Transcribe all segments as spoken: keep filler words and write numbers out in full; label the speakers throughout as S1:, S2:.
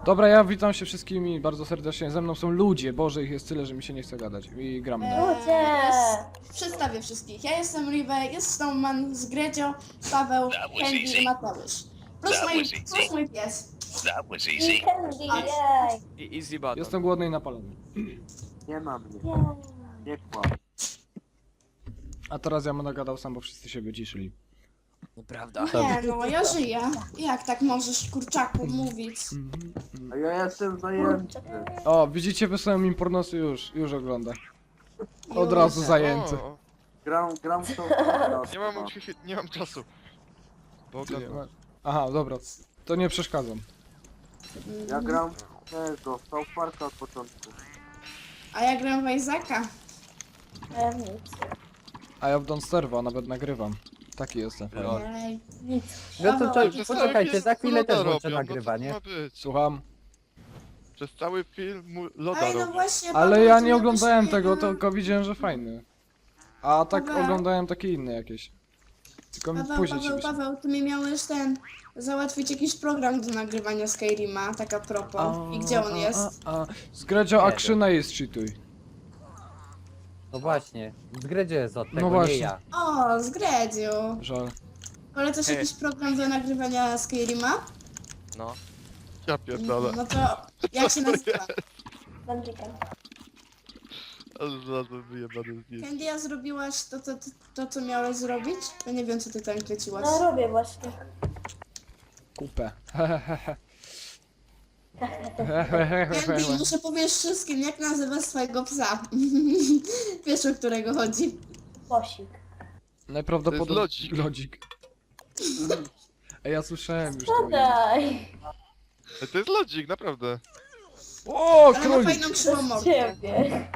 S1: Dobra, ja witam się wszystkimi bardzo serdecznie. Ze mną są ludzie, Boże, ich jest tyle, że mi się nie chce gadać. I gramy dalej.
S2: Ludzie!
S3: Jest, przedstawię wszystkich. Ja jestem Rive, jest Snowman, z Gredzio, Paweł,
S4: That was
S3: Candy
S4: easy.
S3: i Mateusz. Plus
S4: That
S3: mój,
S4: was easy.
S3: plus mój pies.
S4: That was
S2: I
S4: easy.
S2: Candy, jej!
S5: I easy button.
S1: Jestem głodny i napalony.
S6: Nie ma mnie,
S2: Jej.
S6: nie kłam.
S1: A teraz ja będę gadał sam, bo wszyscy się wyciszyli.
S5: Nieprawda.
S3: Nie no, ja żyję. Jak tak możesz, kurczaku, mówić?
S6: A ja jestem zajęty.
S1: O, widzicie, wysłałem im pornosy, już, już ogląda. Od
S3: Już.
S1: razu zajęty.
S7: O,
S6: Gram, gram w tą
S7: nie mam, nie mam czasu. Bo
S1: Ty,
S7: oglądam.
S1: Aha, dobra, to nie przeszkadzam.
S6: Ja gram w tego, w South Parka od początku.
S3: A ja gram w Isaaca.
S2: Ja nic.
S1: A ja w Don't Starve, a nawet nagrywam. Taki jestem.
S5: Lol.
S3: Ej.
S2: Nic.
S8: No to, to
S7: Przez
S8: poczekajcie,
S7: cały
S8: za
S7: film
S8: chwilę też
S7: loda
S8: włączę
S7: robią,
S8: nagrywanie.
S7: No co to ma być?
S1: Słucham.
S7: Przez cały film mu- loda
S3: Ej, no
S7: robią.
S3: właśnie,
S1: Ale
S3: Paweł,
S1: ja
S3: ty
S1: nie oglądałem
S3: napisałeś,
S1: tego,
S3: no.
S1: tylko widziałem, że fajny. A tak
S3: Paweł.
S1: oglądałem takie inne jakieś. Tylko mi
S3: Paweł,
S1: później ci
S3: Paweł,
S1: wyślę.
S3: Paweł, ty mi miałeś ten... załatwić jakiś program do nagrywania Skyrima, tak a propos. I gdzie on
S1: A,
S3: jest?
S1: A, a. Zgredzio, a
S8: Nie
S1: krzyna jest cheatuj.
S8: No właśnie, z gry gdzie jest od tego,
S1: No właśnie.
S8: nie ja.
S3: O, z Gredziu.
S1: Żal.
S3: Polecasz
S5: Hej.
S3: jakiś program do nagrywania Skyrima?
S5: No.
S7: Ja pierdolę.
S3: No to jak się nazywa?
S2: Bandrikan.
S7: Ale znalazłem wyjebane zdjęcie.
S3: Candy, a zrobiłaś to, to, to, to, co miałeś zrobić? Ja nie wiem, co ty tam kręciłaś.
S2: No robię właśnie.
S1: Kupę.
S3: Candy, muszę powiedzieć wszystkim, jak nazywasz swojego psa. Wiesz, o którego chodzi.
S2: Bosik.
S1: Najprawdopodobniej...
S7: To jest lodzik.
S1: Lodzik. Ej, ja słyszałem już to.
S2: Podaj!
S7: Ej, to jest lodzik, naprawdę.
S1: O,
S3: Ale ma
S1: królik!
S3: fajną krzywą
S2: Z
S3: mordę.
S2: ciebie.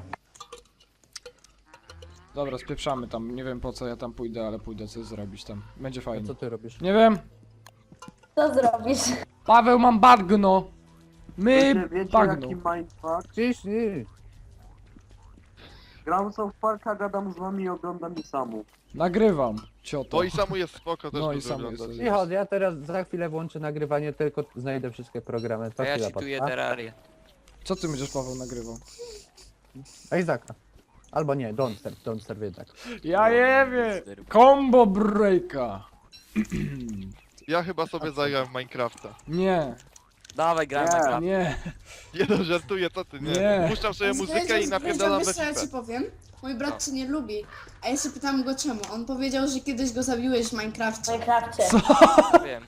S1: Dobra, spieprzamy tam. Nie wiem po co ja tam pójdę, ale pójdę coś zrobić tam. Będzie
S8: A
S1: fajnie.
S8: co ty robisz?
S1: Nie wiem.
S2: Co zrobisz?
S1: Paweł, mam bagno! My
S6: Wiecie, wiecie
S1: bagno.
S6: jaki mindfuck?
S8: Czyż nie?
S6: Gram w South Parka, gadam z wami i oglądam i samu.
S1: Nagrywam, cioto.
S7: No i samo jest spoko, też
S1: No
S7: no
S1: i samo jest.
S8: Cicho, ja teraz za chwilę włączę nagrywanie, tylko znajdę wszystkie programy. To
S5: A ja
S8: chwila
S5: czytuję
S8: potrwa.
S5: Terrarię.
S1: Co ty będziesz, Paweł, nagrywał?
S8: Isaaca. Albo nie, Don't Starve, Don't Starve jednak.
S1: Ja nie wiem! Combo breaka!
S7: Ja chyba sobie zagram w Minecrafta.
S1: Nie,
S5: Dawaj, gramy
S6: Nie.
S5: na graf.
S1: nie.
S7: Nie no, żartuję, co ty, nie.
S1: Nie.
S7: Puszczam sobie muzykę i
S3: Zdradzam,
S7: napierdalam we
S3: wiesz co ja
S7: FIFA.
S3: ci powiem? Mój brat cię nie lubi. A ja się pytam go czemu. On powiedział, że kiedyś go zabiłeś w
S2: W
S3: Minecrafcie.
S2: Minecrafcie.
S5: Wiem.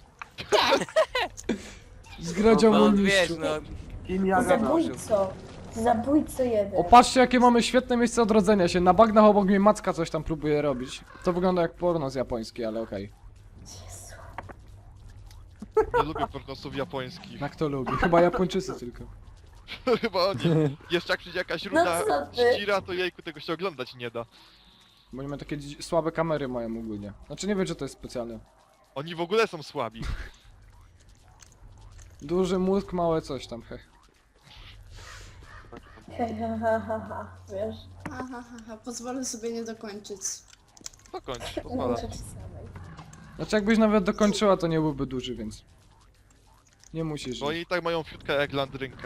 S1: Zgradział
S5: No
S1: mu
S5: on wiesz,
S1: niszczu.
S5: no.
S6: Kim ja gadam?
S2: Zabójco. Zabójco jeden.
S1: O, patrzcie jakie mamy świetne miejsce odrodzenia się. Na bagnach obok mnie Macka coś tam próbuje robić. To wygląda jak pornos japoński, ale okej.
S2: Jezu.
S7: Nie lubię pornosów japońskich.
S1: Jak to lubi? Chyba Japończycy tylko.
S7: Chyba oni. Jeszcze jak przyjdzie jakaś ruda
S2: No co ty?
S7: ścira, to jejku tego się oglądać nie da.
S1: Bo oni mają takie dzi- słabe kamery mają ogólnie. Znaczy nie wiem, czy to jest specjalne.
S7: Oni w ogóle są słabi.
S1: Duży mózg, małe coś tam, heh.
S2: Ha, ha, ha, ha, ha. Wiesz?
S3: Aha, ha, ha. Pozwolę sobie nie dokończyć.
S7: Dokończ, pozwala.
S2: Muszę ci samej.
S1: Znaczy jakbyś nawet dokończyła, to nie byłby duży, więc... Nie musisz.
S7: Bo oni i tak mają fiutkę jak landrynkę.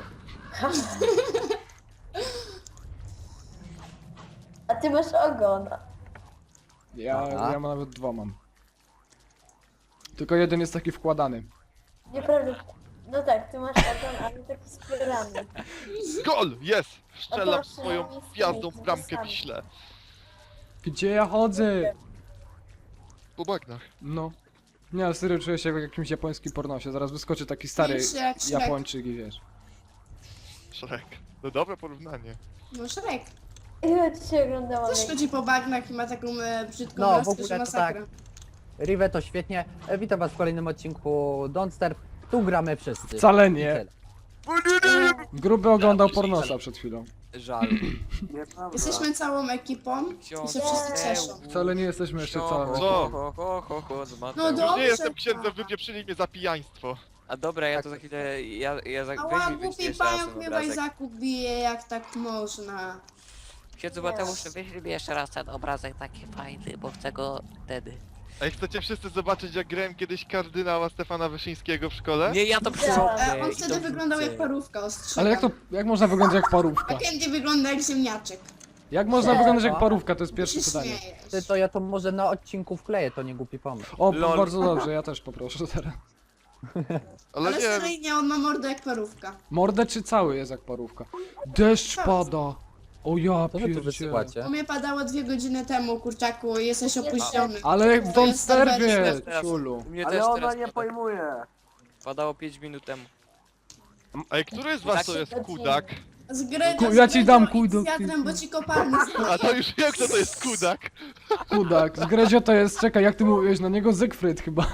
S2: A ty masz ogon.
S1: Ja,
S8: Aha.
S1: ja nawet dwa mam. Tylko jeden jest taki wkładany.
S2: Nieprawda. No tak, ty masz ogon, ale taki spierany.
S7: Gol! Jest! Strzelam
S2: Proszę,
S7: swoją
S2: nie chcę
S7: gwiazdą
S2: mieć
S7: w bramkę
S2: napisane.
S7: Wiśle.
S1: Gdzie ja chodzę?
S7: Po bagnach.
S1: No. Nie, ale serio czuję się jak w jakimś japońskim pornosie. Zaraz wyskoczy taki stary
S3: Wiesz, jak Shrek.
S1: Japończyk i wiesz.
S7: Szrek. No dobre porównanie.
S3: No Shrek.
S2: Ile dzisiaj oglądałam?
S3: Też chodzi po bagnach i ma taką e, brzydką
S8: No, w
S3: laskę,
S8: ogóle
S3: że
S8: to
S3: masakra.
S8: Rive to świetnie. E, Witam was w kolejnym odcinku Don't Starve. Tu gramy wszyscy.
S1: Wcale
S8: I
S1: nie.
S8: tyle.
S1: Gruby oglądał pornosa przed chwilą.
S5: Żal.
S6: Nieprawda.
S3: Jesteśmy całą ekipą i się wszyscy cieszą.
S1: Wcale nie jesteśmy jeszcze całe.
S7: Co?
S5: Ho, ho, ho, ho, z
S3: No
S5: Mateuszem.
S3: do- Dobrze,
S7: Nie jestem
S3: tak.
S7: księdzem, wypieprzyli mnie za pijaństwo.
S5: A dobra, ja to za chwilę, ja, ja za...
S3: Ała,
S5: weź mi wyślij
S3: głupi
S5: jeszcze raz
S3: pająk
S5: ten
S3: mnie w
S5: obrazek.
S3: Isaacu bije, jak tak można.
S5: Księdzu Mateusz, wyślij mi jeszcze raz ten obrazek taki fajny, bo chcę go wtedy.
S7: Ej, chcecie wszyscy zobaczyć, jak grałem kiedyś kardynała Stefana Wyszyńskiego w szkole?
S5: Nie, ja to
S2: E,
S5: przyrobię.
S3: E, on wtedy wyglądał jak parówka, ostrzegam.
S1: Ale jak to, jak można wyglądać jak
S3: A
S1: parówka?
S3: Candy wygląda jak ziemniaczek.
S1: Jak można
S2: Nie.
S1: wyglądać jak parówka, to jest
S3: Ty
S1: pierwsze
S3: się
S1: pytanie.
S3: śmiejesz.
S8: Ty, to ja to może na odcinku wkleję, to nie głupi pomysł.
S1: O,
S5: Lol.
S1: bardzo dobrze, ja też poproszę teraz.
S7: Ale
S3: Ale
S7: nie,
S3: seryjnie on ma mordę jak parówka.
S1: Mordę czy cały jest jak parówka? Deszcz pada! O ja
S8: Co wy tu
S1: pierdzie.
S8: wysyłacie?
S3: U mnie padało dwie godziny temu, kurczaku, jesteś opóźniony.
S1: Ale w
S3: To
S1: tą
S3: jest
S1: sterwie,
S3: serwer
S5: teraz.
S1: ciulu.
S5: U mnie
S6: Ale
S5: też
S6: ona
S5: teraz
S6: nie
S5: pada.
S6: pojmuje.
S5: Padało pięć minut temu.
S7: Ej, który z was to jest kudak?
S3: Z gry,
S1: Ku-
S3: z
S1: ja ci
S3: gry
S1: dam
S3: to
S1: kudo-
S3: idź z wiatrem, bo ci kopalny
S7: A to już wiem, kto to jest kudak.
S1: Kudak, z Grezio to jest, czekaj, jak ty mówiłeś na niego? Zygfryd chyba.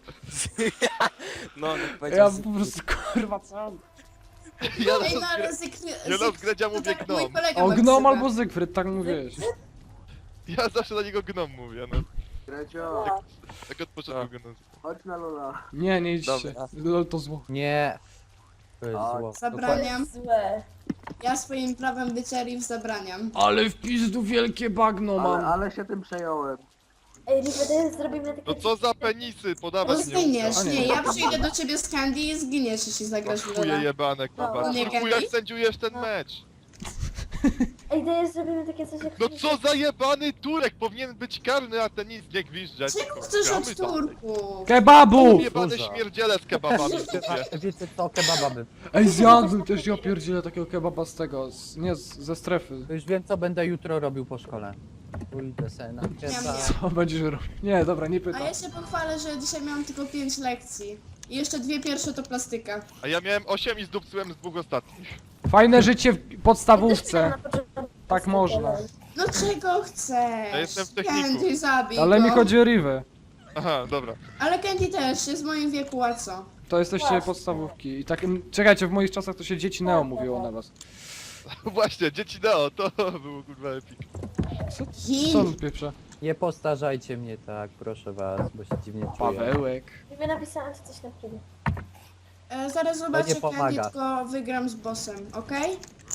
S5: No, no
S1: Ja
S5: powiedział.
S1: po prostu, kurwa, co?
S7: Ja
S3: Ej, no
S7: na
S3: ale z gry...
S7: Ja
S3: z-
S7: na Gredzia
S3: to
S7: mówię
S3: tak
S7: gnom.
S3: mój kolega
S1: O,
S3: ma
S1: gnom
S3: ksywę.
S1: albo Zygfryd, tak mówiłeś.
S7: Ja zawsze na niego gnom mówię, no.
S6: Gredzio,
S7: Tak od początku go nazywam.
S6: chodź na Lola.
S1: Nie, nie idźcie.
S5: Dobra.
S1: Lol to zło.
S8: Nie. To jest
S6: A,
S8: zło.
S2: To
S3: Zabraniam.
S2: jest złe.
S3: Ja swoim prawem bycia Riv zabraniam.
S1: Ale w pizdu wielkie bagno
S6: Ale,
S1: mam.
S6: ale się tym przejąłem.
S2: Ej, River, zrobimy takie...
S7: No co za penisy,
S3: Bo
S7: podawać nie
S3: zginiesz,
S1: A nie.
S3: nie, ja przyjdę do ciebie z Candy i zginiesz, jeśli zagrasz w
S7: Chuje
S3: Lola.
S7: jebane,
S2: No,
S7: kurwa.
S3: nie
S7: No
S3: Candy?
S7: jak sędziujesz ten mecz?
S2: Ej, dajesz, zrobimy takie coś jak...
S7: No co za jebany Turek, powinien być karny, a ten nic nie gwizdżeć.
S3: Czego chcesz
S7: Gramy
S3: od
S7: dalej.
S3: Turków?
S1: Kebabu!
S7: Jebane
S8: Kurwa.
S7: śmierdziele z kebabami w dupie.
S8: A wiecie co, kebaba by.
S1: Ej, zjadłem też, ja pierdzielę takiego kebaba z tego, z, nie, z, ze strefy.
S8: To już wiem co będę jutro robił po szkole. Pójdę se na kebaba.
S1: Co będziesz robił? Nie, dobra, nie
S3: A
S1: pytam.
S3: ja się pochwalę, że dzisiaj miałam tylko pięć lekcji. I jeszcze dwie pierwsze to plastyka.
S7: A ja miałem osiem i zdupcyłem z dwóch ostatnich.
S1: Fajne życie w podstawówce.
S2: Na początku-
S1: Tak można.
S3: No czego chcesz?
S7: Ja jestem w techniku.
S3: Candy, zabij
S1: Ale
S3: go.
S1: mi chodzi o Rivę.
S7: Aha, dobra.
S3: Ale Candy też, jest w moim wieku, a co?
S1: To jesteście
S2: Właśnie.
S1: podstawówki. I tak, czekajcie, w moich czasach to się dzieci Neo mówiło na was.
S7: Właśnie, dzieci Neo, to było kurwa epic.
S1: Co, co
S3: Chin.
S1: on pieprze?
S8: Nie postarzajcie mnie tak, proszę was, bo się dziwnie czuję.
S1: Pawełek.
S2: River, napisałam ci coś na chwilę.
S3: E, zaraz zobaczę Candy,
S8: pomaga.
S3: tylko wygram z bossem, okej?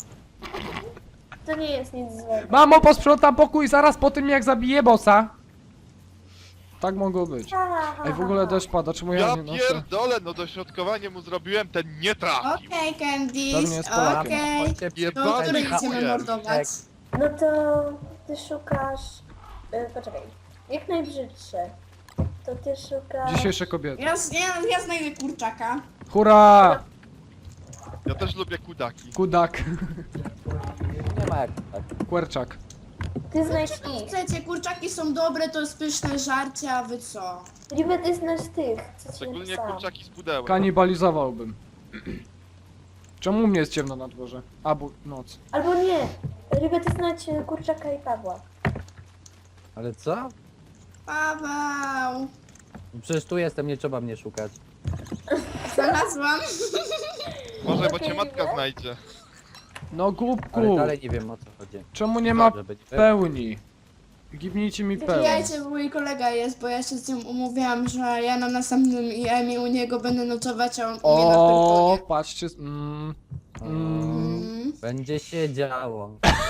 S2: To nie jest nic złego.
S1: Mamo, posprzątam pokój zaraz po tym jak zabiję bossa. Tak mogło być.
S2: Ha, ha, ha,
S1: Ej, w ogóle
S2: ha.
S1: deszcz pada, czemu ja
S7: Ja
S1: nie noszę?
S7: pierdolę, no dośrodkowanie mu zrobiłem, ten nie trafił.
S3: Okej, Candy,
S1: Pewnie jest Polakiem.
S3: okej.
S8: Chodźcie
S3: To
S7: Jebany
S3: który
S8: Candy,
S3: idziemy
S7: chujem.
S3: mordować?
S2: No to ty szukasz... Y, poczekaj. Jak najbrzydsze. To ty szukasz...
S1: Dzisiejsze kobiety.
S3: Ja, ja, ja znajdę kurczaka.
S1: Hurra!
S7: Ja też lubię kudaki.
S1: Kudak.
S8: Nie ma jak tak.
S1: Kwerczak.
S2: Ty znajdź ich.
S3: Chcecie, kurczaki są dobre, to jest pyszne żarcie, a wy co?
S2: River, ty znasz tych, co ci
S7: Szczególnie
S2: napisałam.
S7: kurczaki z pudełek.
S1: Kanibalizowałbym. Czemu u mnie jest ciemno na dworze? A, bo noc.
S2: Albo nie. River, ty znajdź y, kurczaka i Pawła.
S8: Ale co?
S3: Paweł!
S8: Przecież tu jestem, nie trzeba mnie szukać.
S3: Znalazłam.
S7: Może, bo cię matka znajdzie.
S1: No
S8: Ale
S1: głupku.
S8: dalej nie wiem o co chodzi.
S1: Czemu nie ma
S8: Żeby nie
S1: pełni? Gibnijcie mi pełni.
S3: Wbijajcie, bo mój kolega jest, bo ja się z nim umówiłam, że ja na następnym I M i u niego będę nocować, a on u mnie na
S1: O,
S3: Pyrkonie.
S1: patrzcie. Mm, mm.
S3: Mm.
S8: Będzie się działo.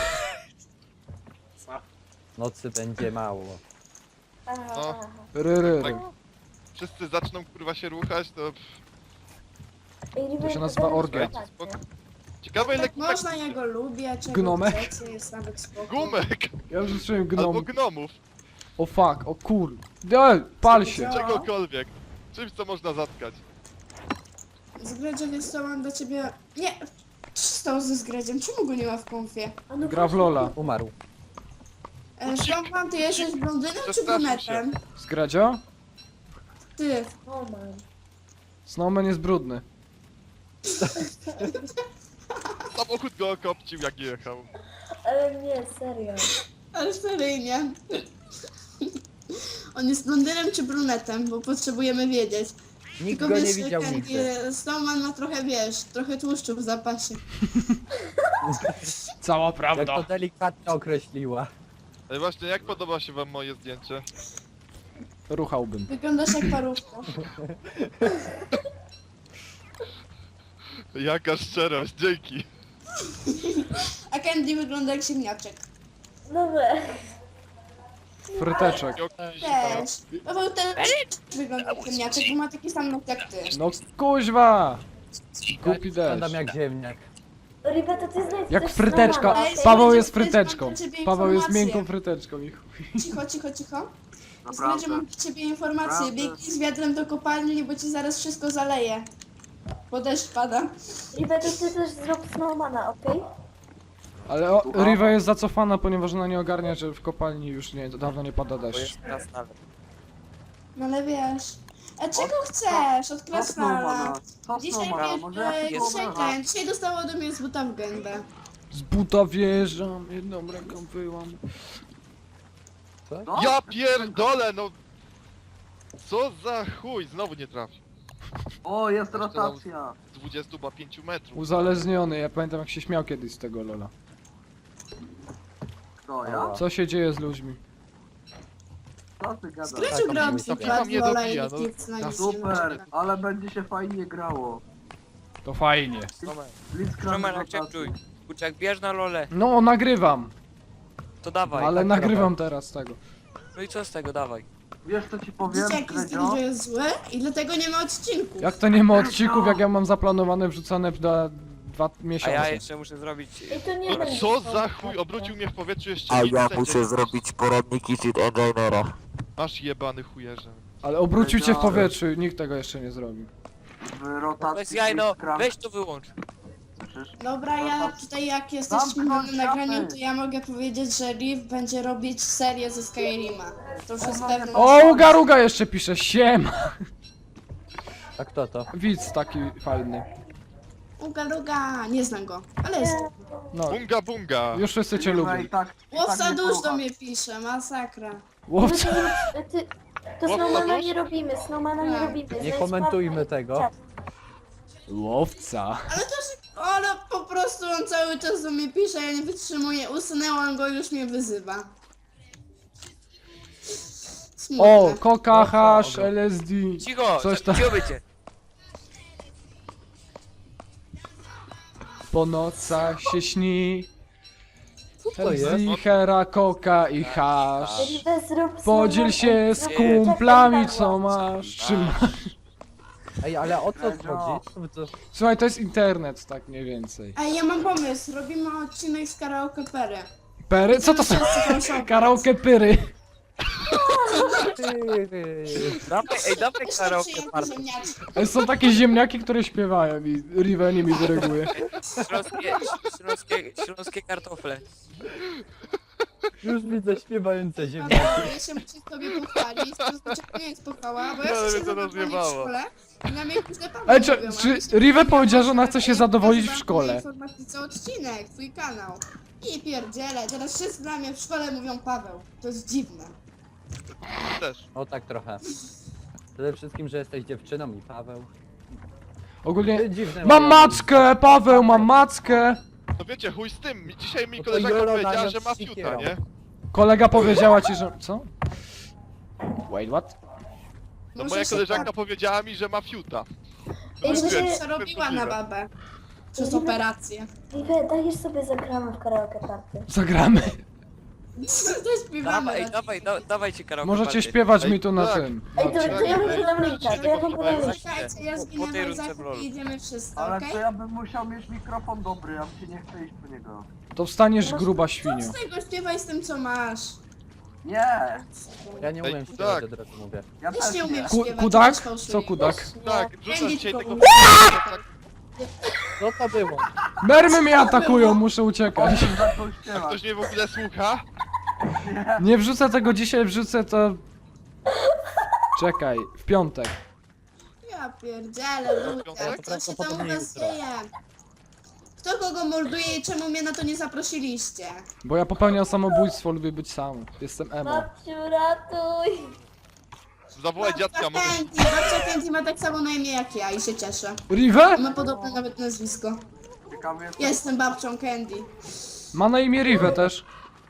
S8: Nocy będzie mało.
S2: Aha,
S7: No.
S2: aha.
S1: Ry, ry, ry.
S7: Tak. Wszyscy zaczną kurwa się ruchać, to...
S2: Ej, River,
S1: To się nazywa
S2: zaraz
S1: orgia.
S2: zobaczę.
S7: Spoko. Ciekawe ile
S3: Tak
S7: kudak...
S3: można, ja go lubię, czego
S1: Gnomek?
S3: chcecie, jest nawet spoko.
S7: Gumek!
S1: Ja już zacząłem
S7: Albo
S1: gnom.
S7: gnomów.
S1: O fuck, o kur. Ej, pal się.
S3: Co?
S7: Czegokolwiek. Czymś co można zatkać.
S3: Zgredzie, więc to mam do ciebie... Nie! Co się stało ze Zgredziem? Czemu go nie ma w konfie?
S2: A no
S1: Gra w
S2: właśnie.
S1: Lola.
S8: Umarł.
S3: E, Szlompan, ty jesteś blondynem czy
S7: Przestraszył
S3: brunetem?
S1: Zgradzio?
S3: Ty.
S2: O man.
S1: Snowman jest brudny.
S7: Samochód go okopcił jak jechał.
S2: Ale nie, serio.
S3: Ale seryjnie. On jest blondynem czy brunetem, bo potrzebujemy wiedzieć.
S8: Nikt
S3: Tylko
S8: go nie
S3: wiesz,
S8: widział
S3: ten,
S8: nigdy.
S3: e, Snowman ma trochę, wiesz, trochę tłuszczu w zapasie.
S1: Cała
S8: Jak
S1: prawda.
S8: to delikatnie określiła.
S7: Ej, właśnie, jak podoba się wam moje zdjęcie?
S1: Ruchałbym.
S3: Wyglądasz jak parówka.
S7: Jaka szczerość, dzięki.
S3: A Candy wygląda jak ziemniaczek.
S2: No weź.
S1: Fryteczek.
S3: Też. Paweł też wygląda jak ziemniaczek, bo ma taki sam nos jak ty.
S1: No kuźwa! Głupi
S8: Wyglądam
S1: deszcz.
S8: jak ziemniak.
S2: Ribe, to ty znajdź
S1: Jak
S2: coś
S1: fryteczka.
S2: Snowmana,
S3: Ej,
S2: okej?
S1: Paweł jest
S3: Słuchajcie,
S1: fryteczką.
S3: mam dla ciebie
S1: Paweł jest
S3: informację.
S1: miękką fryteczką i chuj.
S3: Cicho, cicho, cicho.
S6: Naprawdę.
S3: Będzie mam dla ciebie informację.
S6: Naprawdę.
S3: Biegnij z wiatrem do kopalni, bo ci zaraz wszystko zaleje. Bo deszcz pada.
S2: Ribe, to ty też zrób Snowmana, okej?
S1: Ale o,
S6: Słucham?
S1: Riva jest zacofana, ponieważ ona nie ogarnia, że w kopalni już nie, dawno nie pada
S5: Bo
S1: deszcz.
S5: jest teraz nawet.
S3: No ale wiesz. A czego chcesz od
S6: Co
S3: krasnala?
S6: Snowmana? Co
S3: Dzisiaj,
S6: Snowmana? Może ja
S3: e,
S6: się
S3: dzisiaj
S6: wyobrażam.
S3: ten, dzisiaj dostało ode mnie z buta w gębę.
S1: Z buta wjeżdżam, jedną ręką wyłam.
S6: No?
S7: Ja pierdolę, no! Co za chuj, znowu nie trafi.
S6: O, jest rotacja.
S7: Z dwudziestu do pięciu metrów.
S1: Uzależniony, ja pamiętam jak się śmiał kiedyś z tego lola.
S6: Kto, ja?
S1: Co się dzieje z ludźmi?
S6: Co ty gadasz?
S3: Greciu
S8: Tak,
S3: grał
S8: to
S3: twój
S7: FIFA
S3: brat
S7: mnie
S3: Lola i
S7: dobija,
S3: nikt
S7: no.
S3: nic na nic
S6: Super, ale będzie się fajnie grało.
S1: To fajnie.
S5: Tomek,
S6: Blitzcrank
S5: Tomek,
S6: rotacja.
S5: akceptuj. Kurczak, bierz na lole.
S1: No, nagrywam,
S5: To dawaj.
S1: ale
S8: tak
S1: nagrywam teraz tego.
S5: No i co z tego, dawaj.
S6: Wiesz co ci powiem,
S3: Dzieciaki z
S6: Gredzio?
S3: tego, że jest zły i dlatego nie ma odcinków.
S1: Jak to nie ma odcinków, jak ja mam zaplanowane wrzucone na dwa
S5: A
S1: miesiące.
S5: ja jeszcze muszę zrobić...
S2: I to nie
S7: No
S2: będzie
S7: co
S2: Snow
S7: za
S2: Patrol.
S7: chuj, obrócił mnie w powietrzu jeszcze
S4: A
S7: nic
S4: ja
S7: będzie.
S4: muszę zrobić poradniki Cheat Enginera.
S7: Masz jebany chujerze.
S1: Ale obrócił cię w powietrzu i nikt tego jeszcze nie zrobił.
S6: W rotacji
S5: Bez jaj, no,
S6: Blitzcrank-
S5: weź to wyłącz.
S6: Słyszysz?
S3: Dobra, ja tutaj jak jesteśmy na
S6: Zamknąć
S3: nagraniu,
S6: szafy.
S3: to ja mogę powiedzieć, że Riv będzie robić serię ze Skyrima. To już jest pewne.
S1: O, Uga Ruga jeszcze pisze, siem!
S8: A kto to?
S1: Widz taki fajny.
S3: Uga Luga, nie znam go, ale jest.
S1: No,
S7: Bunga bunga!
S1: już wszyscy cię
S6: Kurwa,
S1: lubią.
S6: i tak, i
S3: Łowca
S6: tak nie
S3: dusz do
S6: słucha.
S3: mnie pisze, masakra.
S1: Łowca.
S2: Ty, ty, to
S7: Łowca
S2: Snowmana
S7: dusz?
S2: nie robimy, Snowmana nie
S3: Tak.
S2: robimy.
S8: Nie
S2: Znajdź
S8: komentujmy
S2: Pawła i
S8: tego.
S2: czat.
S1: Łowca.
S3: Ale to się, ale po prostu on cały czas do mnie pisze, ja nie wytrzymuję, usunęłam go, już mnie wyzywa. Smutne.
S1: O, koka, hasz, L S D.
S5: Cicho,
S1: Coś tam.
S5: cicho bycie.
S1: Po nocach się śni.
S8: Co to jest?
S1: L S D, hera, koka i hasz.
S2: Ribe, zrób
S1: Podziel
S2: Snowmana-
S1: się z
S2: zrób-
S1: kumplami,
S2: czekaj,
S1: co
S2: Pawła.
S1: masz. Czy masz?
S8: Ej, ale o co
S6: Gredzio.
S8: chodzi? Co wy to...
S1: Słuchaj, to jest internet, tak mniej więcej.
S3: Ej, ja mam pomysł, robimy odcinek z karaoke pery.
S1: Pery? Co to są?
S3: Wszyscy są
S1: Karaoke pyry.
S5: Dawaj, ej, dawaj
S3: Też
S5: karaoke
S3: przyjęty
S5: party.
S3: ziemniaczki.
S1: Ej, są takie ziemniaki, które śpiewają i Riva nimi dyryguje.
S5: Śląskie, śląskie, śląskie kartofle.
S8: Już widzę śpiewające
S3: Paweł,
S8: ziemniaki.
S3: ja się muszę sobie pochwalić, to znaczy nie jest pochwała, bo ja
S7: No, ale
S3: się
S7: mnie to
S3: zadowolę w
S7: rozjebało.
S3: szkole i na mnie źle Paweł
S1: Ej, czy,
S3: mówią, a
S1: czy
S3: my się
S1: Riva
S3: nie
S1: powiedziała, że ona
S3: możemy,
S1: chce się
S3: ja
S1: zadowolić w
S3: pokazywałam
S1: szkole?
S3: na informatyce odcinek, twój kanał. I pierdzielę, teraz wszyscy na mnie w szkole mówią Paweł. To jest dziwne.
S7: Też.
S8: O tak trochę. Przede wszystkim, że jesteś dziewczyną i Paweł.
S1: Ogólnie...
S8: Dziwne
S1: Mam
S8: moje
S1: mackę, Paweł, mam mackę.
S7: No wiecie, chuj z tym. Dzisiaj mi
S8: No to
S7: koleżanka
S8: Jolo
S7: powiedziała,
S8: naniosł
S7: że ma
S8: sikierą.
S7: fiuta, nie?
S1: Kolega powiedziała ci, że... Co? Wait, what?
S7: No
S3: Może
S7: moja
S3: się
S7: koleżanka powiedziała mi, że ma fiuta.
S2: Ej,
S7: No,
S2: Ribe,
S7: stwierdziłem,
S3: tak przerobiła na
S7: możliwe.
S3: babę. Przez operację.
S2: Ribe, dajesz sobie zagramy w karaoke party.
S1: Zagramy.
S3: To śpiewamy.
S5: Dawaj, ej,
S3: raczej.
S5: dawaj, da, dawajcie karaoke
S1: Możecie
S5: party.
S1: śpiewać
S7: Ej,
S1: mi tu na
S7: tak.
S1: tym.
S2: Ej, to, to ja wam
S7: Ej,
S2: podam linka, to ja wam podam linka.
S3: Czekajcie, ja
S5: Po- po tej
S3: zginę
S5: rundce
S3: Izak
S5: w LoL.
S3: i idziemy wszyscy,
S6: Ale
S3: okej?
S6: to ja bym musiał mieć mikrofon dobry, ja mi się nie chce iść po niego.
S1: To wstaniesz gruba
S3: Co
S1: świnio.
S3: z tego? Śpiewaj z tym, co masz.
S6: Nie!
S8: Ja nie
S7: Ej,
S8: umiem
S7: tak.
S8: śpiewać, od razu mówię.
S6: Ja
S3: Też
S6: też
S3: nie umiem
S1: Ku,
S3: śpiewać.
S1: kudak?
S3: też fałszuję.
S1: Co kudak?
S7: Tak, wrzucam
S3: Candy
S7: dzisiaj
S3: tylko
S7: tego...
S3: umie.
S8: Co to było?
S1: Mermy mnie atakują, muszę uciekać.
S6: zaczął
S7: A
S6: śpiewać.
S7: ktoś mnie w ogóle słucha?
S1: Nie wrzucę tego dzisiaj, wrzucę to... Czekaj, w piątek.
S3: Ja pierdzielę, ludzie,
S7: To
S3: co się tam u
S8: prawdopodobnie
S3: was
S8: jutro.
S3: dzieje? Kto kogo morduje i czemu mnie na to nie zaprosiliście?
S1: Bo ja popełniam samobójstwo, lubię być sam. Jestem emo.
S2: Babciu, ratuj!
S7: Zawołaj dziadka,
S3: Babcia
S7: może...
S3: Candy, babcia Candy ma tak samo na imię jak ja i się cieszę.
S1: Rive?
S3: Ma podobne nawet nazwisko.
S6: Ciekawy jest...
S3: Jestem babcią Candy.
S1: Ma na imię Rive też.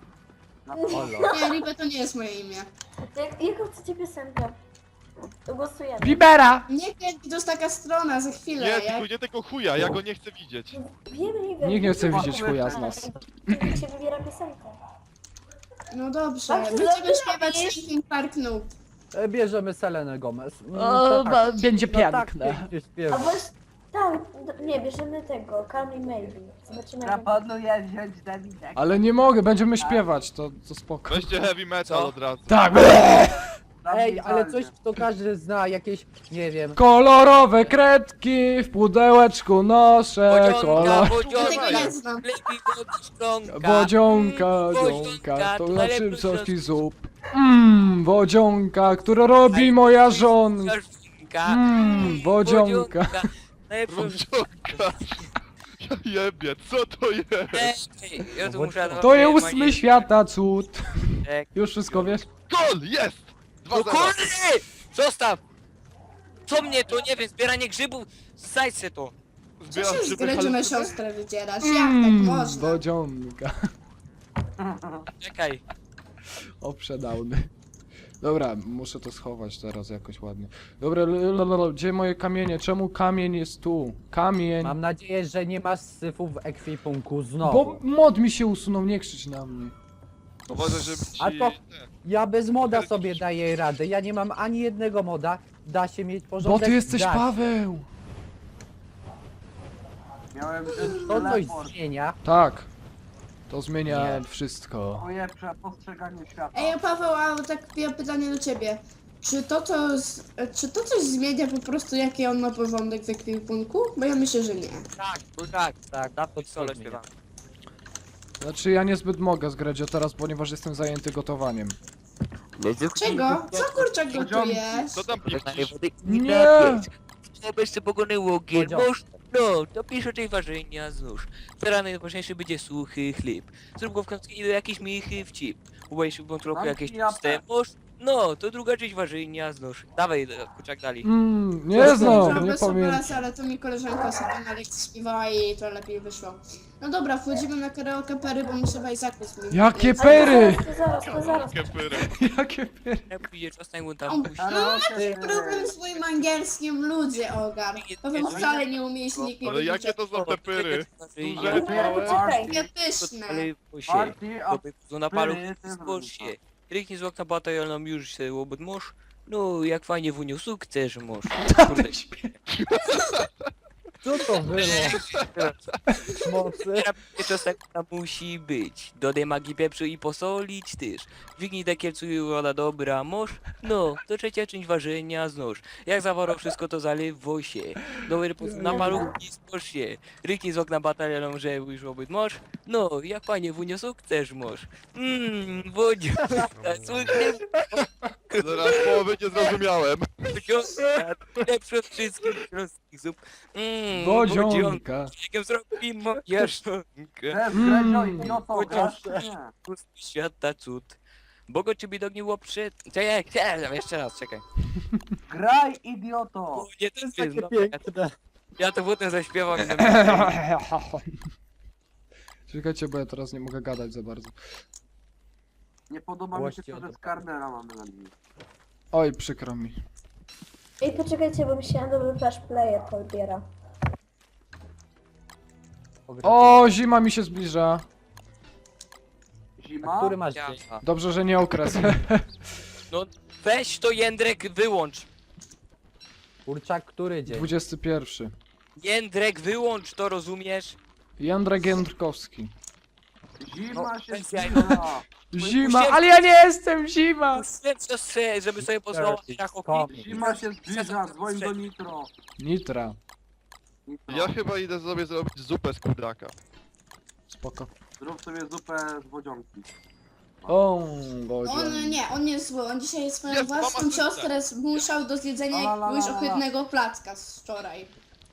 S8: Olo.
S3: Nie, Ribe to nie jest moje imię.
S2: Jak, jaką chcecie piosenkę? To głosujemy.
S1: Bibera!
S3: Nie Candy, to jest taka strona, za chwilę.
S7: Nie,
S3: jak...
S7: tylko nie tego chuja, ja go nie chcę widzieć.
S2: Wiem, Ribe.
S1: Nikt nie chce widzieć chuja z nas.
S2: Nikt się wybiera piosenkę.
S3: No dobrze,
S2: Dobrze,
S3: będziemy
S2: dobrze,
S3: śpiewać
S2: robisz.
S3: Linkin Park Noob.
S8: E, Bierzemy Selenę Gomez.
S1: O,
S8: No,
S1: ba- będzie
S8: no tak
S1: piękne.
S8: pięknie
S2: A
S8: śpiewa.
S2: właśnie, tak, d- nie, bierzemy tego, Call Me Maybe. Zobaczymy jak...
S6: Proponuję wziąć Dawidek.
S1: Ale nie mogę, będziemy śpiewać, to, to spoko.
S7: Weźcie heavy metal
S5: Co?
S7: od razu.
S1: Tak!
S8: Ej, ale coś, to każdy zna, jakieś, nie wiem,
S1: Kolorowe kredki w pudełeczku noszę,
S5: Bodzionka,
S1: kolor...
S3: Ja tego
S5: bodzionka,
S3: nie znam.
S5: lepiej wody szklonka.
S1: Wodzionka,
S5: Mm,
S1: dzionka, to na
S5: najlepszy
S1: czym soski
S5: sos.
S1: zup. Mmm, wodzionka, które robi moja żonka.
S5: Żonka.
S1: Mmm, wodzionka.
S5: Najlepszy
S7: Bodzionka. Ja jebie, co to jest?
S5: Ej, ja tu muszę...
S1: To jest ósmy świata cud.
S5: Tak.
S1: Już wszystko wiesz?
S7: Gol! Jest! dwa
S5: No
S7: zero.
S5: kurde! Zostaw! Co mnie to, nie wiem, zbieranie grzybów? Zajdź se to.
S3: Co
S7: Zbieram
S3: się z
S7: grzyby,
S3: gry, że
S7: ale-
S3: my siostrę wydzierasz? Jak tak
S1: Mmm,
S3: można?
S1: wodzionka.
S5: Czekaj.
S1: Oprzedałny. Dobra, muszę to schować teraz jakoś ładnie. Dobra, l- l- l- gdzie moje kamienie? Czemu kamień jest tu? Kamień.
S8: mam nadzieję, że nie masz syfu w ekwipunku
S1: Bo
S8: znowu.
S1: mod mi się usunął, nie krzycz na mnie.
S7: Uważaj, żeby ci...
S8: A to-
S7: ten.
S8: Ja bez moda sobie daję radę, ja nie mam ani jednego moda, da się mieć porządek.
S1: Bo ty jesteś
S8: da się.
S1: Paweł!
S6: Miałem wziąć
S8: To coś
S6: teleport.
S8: zmienia.
S1: Tak. To zmienia
S8: Nie.
S1: wszystko.
S6: Moje prze- postrzeganie świata.
S3: Ej, Paweł, a tak ja pytanie do ciebie. Czy to, to, z- czy to coś zmienia po prostu, jaki on ma porządek w ekwipunku? Bo ja myślę, że nie.
S5: Tak, to tak.
S8: Tak,
S5: Dawno
S8: to
S5: solo
S8: coś zmienia.
S5: śpiewam.
S1: Znaczy ja niezbyt mogę zgrać o teraz, ponieważ jestem zajęty gotowaniem.
S3: Czego? Co kurczak gotujesz?
S7: Co tam piszesz?
S1: Nie!
S5: To byś się pogonęło gier,
S8: Podział.
S5: mąż, no, to pisz o tej ważenia znóż. Teraz najważniejszy będzie suchy chleb. Zrób go w końcu do jakiejś michy w cip. Ubajesz w trochę
S6: Mam
S5: jakieś
S6: pijapę.
S5: puste, mąż, no, to druga część ważenia znóż. Dawaj, kurczak dali.
S1: Mmm, nie znam, nie
S3: Bez
S1: pamiętam.
S3: obrazy, ale to mi koleżanka sobie na lekcji śpiewała i to lepiej wyszło. No dobra, wchodzimy na karaoke pery, bo muszę Wajzaku z nim.
S1: Jakie
S3: Ej,
S1: pery!
S2: To zaraz, to zaraz.
S7: Kepyry.
S1: Jakie pery!
S5: Jak pójdzie czas na
S3: On-
S5: tam puści.
S3: No macie problem z moim angielskim, ludzie ogar. Powiem wcale nie umiejętnie
S7: Ale jakie to są te pyry?
S5: Duże,
S7: małe?
S3: Takie pyszne.
S5: ale się.
S6: Party, a
S5: To na paru
S6: pyry, ty
S5: spójrz się.
S6: wrócisz.
S5: Ryknij z okna batalionom już się łobot mąż. No, jak fajnie wunił sukces mąż. Kurde,
S8: Co to było? Mocy.
S5: czas tak musi być. Dodaj magii pieprzu i posolić też. Dźwignij dekielcu i woda dobra mąż. No, to trzecia część ważenia znóż. Jak zawarło wszystko to zalewo się. Dobry po na malutki spójrz się. Ryknij z okna batalionom, że już obyt mąż. No, jak fajnie wunił sukces mąż. Mmm, wodzia. Słychać.
S7: Zaraz połowy nie zrozumiałem.
S5: Wodzionka, lepszy od wszystkich śląskich zup. Mmm,
S1: Wodzionka.
S5: Jak zrobi moja żonka.
S6: Też
S1: Mm.
S6: Gredzio, idioto, grasz czy nie?
S5: Pusty świata cud. Bogo ciebie dogniło przed... Czekaj, czekaj, jeszcze raz, czekaj.
S6: Graj, idioto!
S5: O, nie, to jest
S8: Takie
S5: no,
S8: piękne.
S5: ja to potem zaśpiewam i zamiast...
S1: Czekajcie, bo ja teraz nie mogę gadać za bardzo.
S6: Nie podoba mi się
S8: Głoście
S6: to, że
S8: o to.
S6: Skarnera mamy na linii.
S1: Oj, przykro mi.
S2: Ej, poczekajcie, bo mi się Adobe Flash Player podbiera.
S1: O, zima mi się zbliża.
S6: Zima?
S8: Który masz
S5: Ja.
S8: dzień?
S1: Dobrze, że nie okres.
S5: No, weź to Jędrek wyłącz.
S8: Kurczak, który dzień?
S1: dwudziesty pierwszy.
S5: Jędrek wyłącz to, rozumiesz?
S1: Jędrek Jędrkowski.
S6: Zima
S5: No,
S6: się
S5: weź jaj.
S6: zbliża!
S1: Zima, ale ja nie jestem zima!
S5: Puściłem siostrze, żeby sobie posłała na chłopie.
S6: Zima się zbliża, dzwoń do Nitro!
S1: Nitra.
S6: Nitro.
S7: Ja chyba idę sobie zrobić zupę z kurdaka.
S1: Spoko.
S6: Zrób sobie zupę z wodzionki.
S1: O,
S3: On
S1: Bodzian.
S3: nie, on nie jest zły. On dzisiaj swoją
S7: Jest,
S3: własną
S7: mama
S3: siostrę zmuszał do zjedzenia
S6: La, la, la,
S3: jakiegoś
S6: la, la.
S3: ohydnego placka z wczoraj.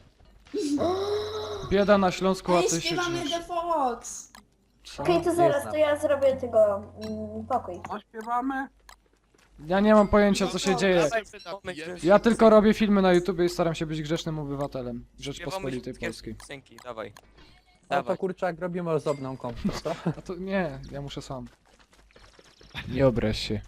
S1: Bieda na Śląsku, a
S3: Ej,
S1: ty się
S3: śpiewamy
S1: czujesz.
S3: The Fox.
S1: Co?
S2: Okej, to
S8: Nie
S2: zaraz,
S8: znam.
S2: to ja zrobię tego mm, pokój.
S6: Co śpiewamy?
S1: Ja nie mam pojęcia, co się dzieje.
S7: Dawaj, napijemy.
S1: Ja tylko robię filmy na YouTube i staram się być grzecznym obywatelem
S5: Śpiewamy
S1: Rzeczpospolitej
S5: wszystkie
S1: Polskiej.
S5: piosenki, dawaj.
S8: No to
S5: Dawaj.
S8: kurczak, robimy osobną kompę, co?
S1: A to nie, ja muszę sam. Nie obraź się.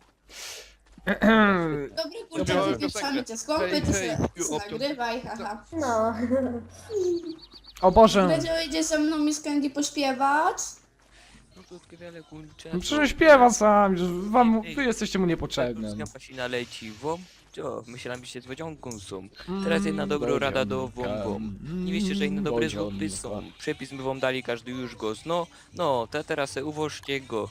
S3: Dobry kurczak,
S7: Śpiewamy
S3: wypieprzamy
S7: piosenkę.
S3: cię z kompy,
S7: Hej,
S3: ty
S7: hej,
S3: se
S7: you
S3: se
S7: option.
S3: nagrywaj, haha.
S2: No.
S1: O Boże!
S3: Będzie idzie ze mną Miss Candy pośpiewać?
S5: krótkie, wiele kurcze.
S1: No przecież śpiewa sam, że wam, wy jesteście mu niepotrzebni.
S5: Pasina leci wom. Co? Myślałem, że się z wodzionką są. Teraz jedna dobra rada do wom wom. Nie wiecie, że inne dobre złoty są. Przepis my wam dali, każdy już go zno. No, to teraz se uwożcie go.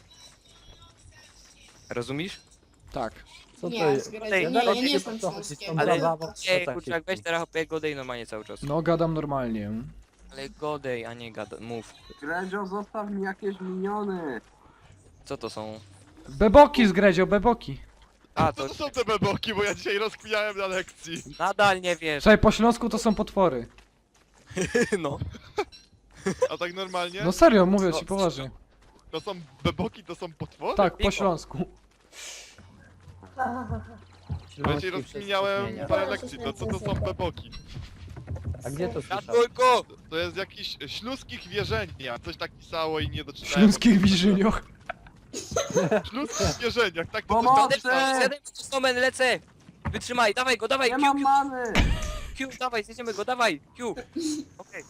S5: Rozumiesz?
S1: Tak.
S8: Co to
S3: Nie,
S8: jest?
S3: zgradzę.
S5: Ej,
S3: Nie,
S5: no,
S3: ja nie
S5: to-
S3: jestem
S8: to chodzi z tą
S3: Śląskiem.
S5: Ale-
S8: zabawą,
S5: Ej,
S8: tak
S5: kurczak,
S8: się
S5: weź teraz hopie godej normalnie cały czas.
S1: No gadam normalnie.
S5: Ale godej, a nie gada, mów.
S6: Gredzio, zostaw mi jakieś miniony.
S5: Co to są?
S1: Beboki zgredzio, beboki.
S5: A,
S7: Co
S5: to
S7: to są te beboki, bo ja dzisiaj rozkminiałem na lekcji.
S5: nadal nie wiesz.
S1: Słuchaj, po śląsku to są potwory.
S5: No.
S7: A tak normalnie?
S1: No serio, mówię
S5: Co?
S1: ci poważnie.
S7: To są beboki, to są potwory?
S1: Tak, po
S5: Piko.
S1: śląsku.
S7: Bo ja dzisiaj
S8: Śląski
S7: rozkminiałem
S8: przez
S7: parę
S2: zmienia.
S7: lekcji, to co to są beboki?
S8: A gdzie to słyszałeś?
S5: Jadłojko!
S7: To jest jakiś śląskich wierzenia, coś tak pisało i nie
S1: W
S7: doczytałem.
S1: śląskich wiżyniach.
S7: Śląskich wierzeniach, tak to
S6: Pomocy!
S7: coś
S5: Siedem stomen, lecę! Wytrzymaj, dawaj go, dawaj,
S6: Nie
S5: Q,
S6: mam
S5: Q,
S6: many!
S5: Q, dawaj, zjedziemy go, dawaj, Q. Okej.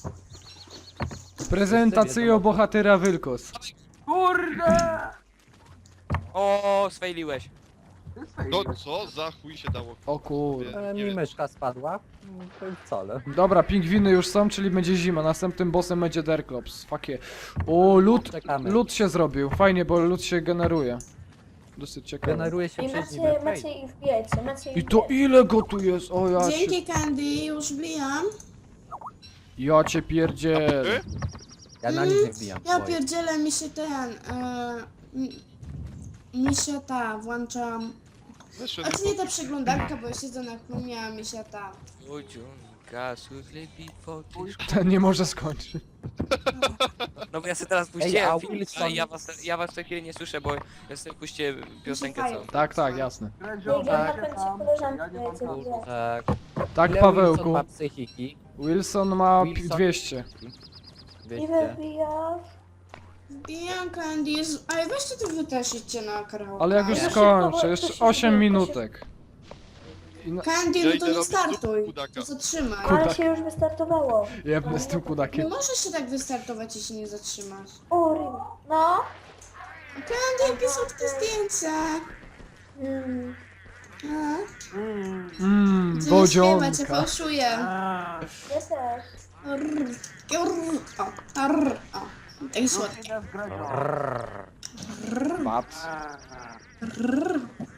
S1: Prezentacja bohatera Wilkos.
S6: Kurde!
S5: O, sfejliłeś.
S6: Ty swej-
S7: No co za chuj się dało?
S1: O kurde.
S8: Ale mi myszka spadła. No, to i wcale.
S1: Dobra, pingwiny już są, czyli będzie zima. Następnym bossem będzie Derklops. Fakie. O, lód,
S8: Czekamy.
S1: lód się zrobił. Fajnie, bo lód się generuje. Dosyć ciekawe.
S8: Generuje się
S2: I
S8: przez nim.
S2: macie,
S8: okej.
S2: macie ich wiecie, macie ich
S1: I to
S2: wiecie.
S1: ile go tu jest? O ja cię,
S3: Dzięki Candy, już wbijam.
S1: ja cię pierdziel.
S7: Ty?
S8: Ja na nic nie wbijam.
S3: Ja
S8: Boję.
S3: pierdzielę, mi się ten... E, mi, mi się ta, włączam...
S7: Wyszły
S3: A to nie ta przeglądarka, bo ja siedzę na klumie, a mi się ta...
S5: Wodzionka, suchlepi pokisz.
S1: Ten nie może skończyć.
S5: No bo ja sobie teraz
S8: Ej,
S5: puściłem
S8: a
S5: film,
S8: Wilson-
S5: a ja was, ja was co chwilę nie słyszę, bo ja sobie puściłem piosenkę całą.
S1: Tak, tak, jasne.
S6: Gredzio,
S2: Nie,
S6: tak.
S2: ja
S6: tam,
S2: tam koleżanki
S6: ja nie mam
S2: wiecie,
S6: czasu.
S2: gdzie.
S8: Tak.
S1: Tak,
S8: Ile
S1: Pawełku.
S8: Wilson ma psychiki?
S1: Wilson ma pi-
S8: Wilson?
S1: dwieście.
S2: I
S8: dwieście.
S2: wybijasz.
S3: Wbijam Candy, jest... Ej, weźcie to wy też idźcie na karaoke.
S1: Ale jak już
S2: Ja szybko,
S1: skończę,
S2: bo to
S1: jeszcze
S2: się
S1: osiem
S2: zbiera, to
S1: minutek. I na...
S3: Candy,
S7: Ja
S3: no
S7: idę
S3: to nie
S7: robić
S3: startuj.
S7: zupę kudaka.
S3: To zatrzymaj.
S2: Ale się już wystartowało.
S1: Jebnę z tym
S3: Nie
S1: kudakiem.
S3: możesz się tak wystartować, jeśli nie zatrzymasz.
S2: Uri. No.
S3: Candy, jakie słodkie zdjęcia.
S2: Mm.
S3: A?
S6: Mm.
S1: Mmm,
S3: Gdzie nie śpiewa, cię
S1: wodzionka.
S3: fałszuje.
S6: A,
S2: Ja też.
S3: Rrr, rrr, o, rrr, o. Tak
S6: już
S3: słodkie.
S6: idę z Gredzio.
S1: Patrz.
S6: A,
S3: Rrr,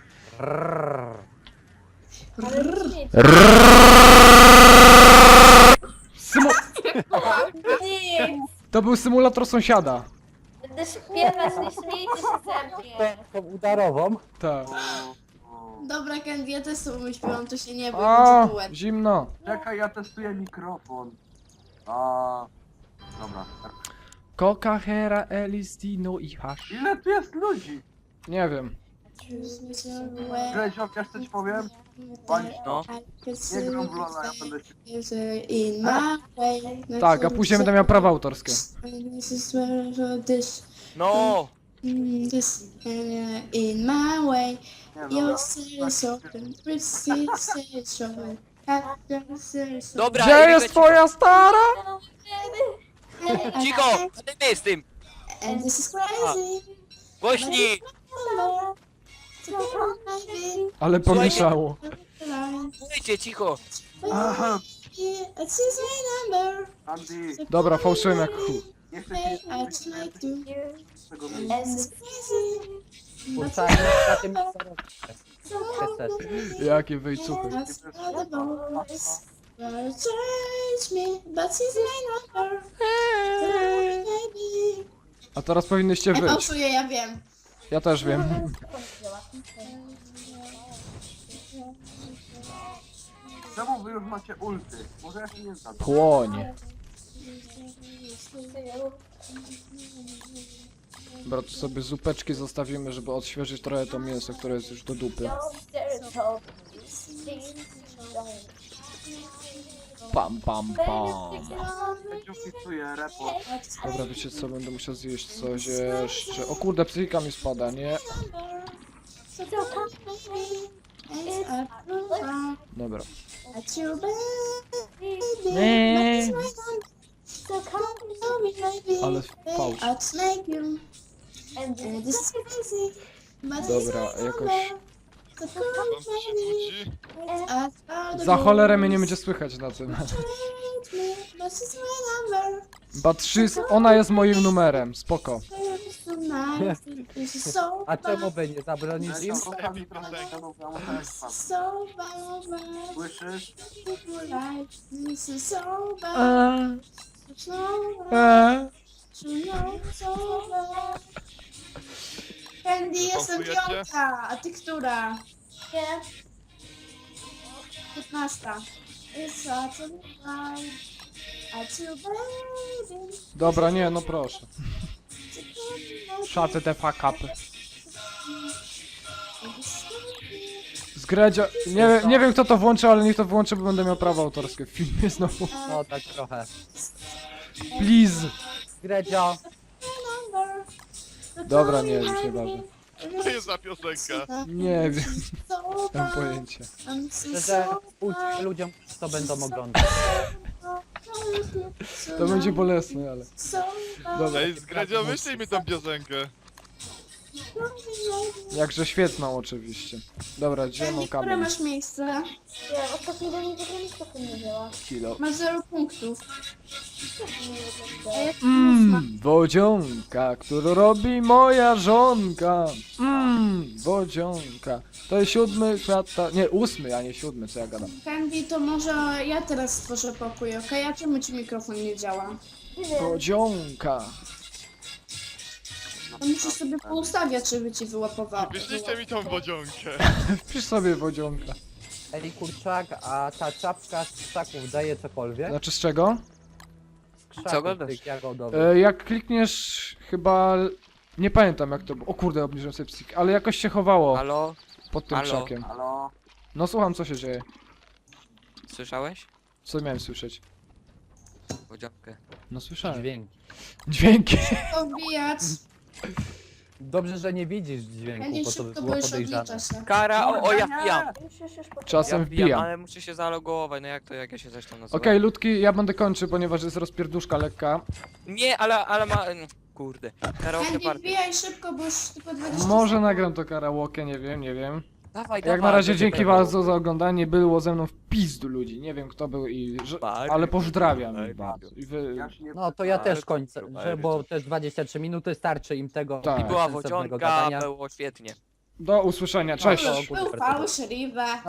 S2: Ale nic.
S1: Symu...
S2: Nic.
S1: To był symulator sąsiada.
S2: Będę śpiewać, nie śmiejcie się ze mnie.
S8: Tą udarową.
S1: Tak.
S6: o, o.
S3: Dobra, Candy, ja też z tobą śpiewam, to się nie bój,
S1: A,
S3: będzie duet.
S1: zimno.
S6: Czekaj, ja testuję mikrofon. A, dobra.
S1: Coca, Hera, Elis, Dino i Hash.
S6: Ile tu jest ludzi?
S1: Nie wiem.
S6: Gredzio, wiesz co ci powiem?
S5: No.
S6: Nie gram w Lola, ja będę się...
S3: In my way.
S1: Tak, a później będę miał prawa autorskie.
S3: This is where this,
S5: No!
S3: this, in my way.
S6: Nie no,
S3: Your
S6: dobra.
S3: city is open, receive is open.
S5: Dobra,
S1: Gdzie
S5: Erika,
S1: jest
S5: cicho.
S1: twoja stara?
S5: Cicho! A ty my z tym!
S3: And this is crazy.
S5: Głośniej!
S1: Ale pomieszało.
S5: Słuchajcie, cicho!
S6: Aha,
S3: It's his number.
S6: Andy,
S1: Dobra, fałszyłem jak chuj.
S6: nie chcę ci
S3: I just might do.
S6: z tego miejsca.
S3: And it's crazy.
S8: Kurczanie na tym chcesz.
S1: Jakie wejcuchy.
S3: That's all the boys. Wanna change me, but he's my number. Baby.
S1: A teraz powinnyście
S3: Ja
S1: wyć.
S3: fałszuję, ja wiem.
S1: Ja też wiem.
S6: Czemu wy już macie ulty? Może ja się nie znam.
S1: Płonie. Dobra, tu sobie zupeczki zostawimy, żeby odświeżyć trochę to mięso, które jest już do dupy. Pam, pam, pam.
S6: Gredzio wpisuję report.
S1: Dobra, wiecie co, będę musiał zjeść coś jeszcze. O kurde, psychika mi spada, nie?
S3: So come, baby. And I
S1: Dobra.
S3: at your baby.
S1: Nie.
S3: But it's my number. So come to me, baby.
S1: Ale fałsz.
S3: I'd make you.
S2: And
S3: And this is crazy. But
S1: Dobra,
S3: it's
S1: jakoś...
S3: the
S7: Tam się kłóci.
S3: I'd rather
S1: Za
S3: go
S1: cholerę mnie nie będzie słychać na tym.
S3: But it's my number.
S1: But she's... Ona jest moim numerem, spoko.
S3: It's so nice. This is so
S8: A czemu
S3: bad.
S8: by nie zabronić im?
S6: Leciał, zostaw mi trochę ścianów, ja muszę spać.
S3: So bad.
S6: Słyszysz?
S3: This is so bad.
S1: Eee,
S3: So bad.
S1: eee.
S3: You know, so bad. Candy, jestem
S7: Pauzujecie?
S3: piąta, a ty która?
S2: Nie.
S3: Piętnasta. It's such a night. I too baby.
S1: Dobra, nie, no proszę. Shut the fuck up. Zgredzia... Nie, nie wiem kto to włączy, ale niech to włączy, bo będę miał prawo autorskie w filmie znowu.
S8: No tak trochę.
S1: Please.
S8: Gredzio,
S1: Dobra, nie wiem, nieważne.
S7: Co to jest za piosenka?
S1: Nie wiem, nie mam pojęcia.
S8: szczerze, uczcie ludziom, co będą oglądać.
S1: To będzie bolesne, ale... Dobra.
S7: Ej, zgradzio, wyślij mi tą piosenkę.
S1: Jakże świetną oczywiście. Dobra, gdzie mam
S3: Candy, które
S1: kamień?
S3: masz miejsce?
S2: Nie, ostatnio do mnie w ogóle mikrofon nie działa.
S1: Kilo.
S3: Masz zero punktów. A jak
S1: Mmm, wodzionka, którą robi moja żonka. Mmm, wodzionka. To jest siódmy kwiata... Nie, ósmy, a nie siódmy, co ja gadam.
S3: Candy, to może ja teraz stworzę pokój, okej? A czemu ci mikrofon nie działa?
S2: Nie wiem.
S1: Wodzionka.
S3: To musisz sobie poustawiać, żeby ci wyłapowało.
S7: Wyślijcie mi tą wodzionkę.
S1: Wpisz sobie wodzionka.
S8: Ej, kurczak, a ta czapka z krzaków daje cokolwiek?
S1: Znaczy z czego?
S8: Z krzaków
S5: Co gadasz?
S8: tych jagodowych.
S1: E, jak klikniesz chyba... Nie pamiętam jak to było. O kurde, obniżyłem sobie psychik, ale jakoś się chowało
S5: Halo?
S1: pod tym
S5: halo?
S1: krzakiem.
S6: Halo?
S1: No słucham, co się dzieje.
S5: Słyszałeś?
S1: Co miałem słyszeć?
S5: Wodzionkę.
S1: No słyszałem.
S8: Dźwięk.
S1: Dźwięki.
S3: To wbijać.
S8: Dobrze, że nie widzisz dźwięku,
S3: Candy,
S8: bo to by
S3: szybko,
S8: było
S3: bo już
S8: podejrzane.
S3: odlicza się.
S5: Kara, o, o ja wbijam.
S2: Już, już, już, poczekaj.
S1: Czasem
S5: Ja wbijam,
S1: wbijam.
S5: ale muszę się zalogować, no jak to, jak ja się zresztą nazywam?
S1: Okej, ludki, ja będę kończył, ponieważ jest rozpierduszka lekka.
S5: Nie, ale, ale ma... mm, Kurde. Karaoke
S3: Candy,
S5: party.
S3: wbijaj szybko, bo już tylko dwadzieścia
S1: Może
S3: sekund.
S1: nagram to karaoke, nie wiem, nie wiem.
S5: Dawaj,
S1: Jak
S5: dawaj.
S1: na razie
S5: będzie
S1: dzięki
S5: pewno.
S1: bardzo za oglądanie, było ze mną w pizdu ludzi. Nie wiem kto był i... Że...
S5: Bary,
S1: Ale pozdrawiam
S5: bary,
S1: ich bardzo. I wy...
S6: Ja się nie
S8: No to ja
S5: Ale
S8: też kończę,
S5: kurwa,
S8: że,
S5: ale
S8: bo
S5: wiecie.
S8: też dwadzieścia trzy minuty starczy im tego
S1: Tak.
S5: I była
S8: sensownego
S5: wodzionka,
S8: gadania.
S5: było świetnie.
S1: Do usłyszenia, cześć!
S8: No,
S3: Był fałszywe.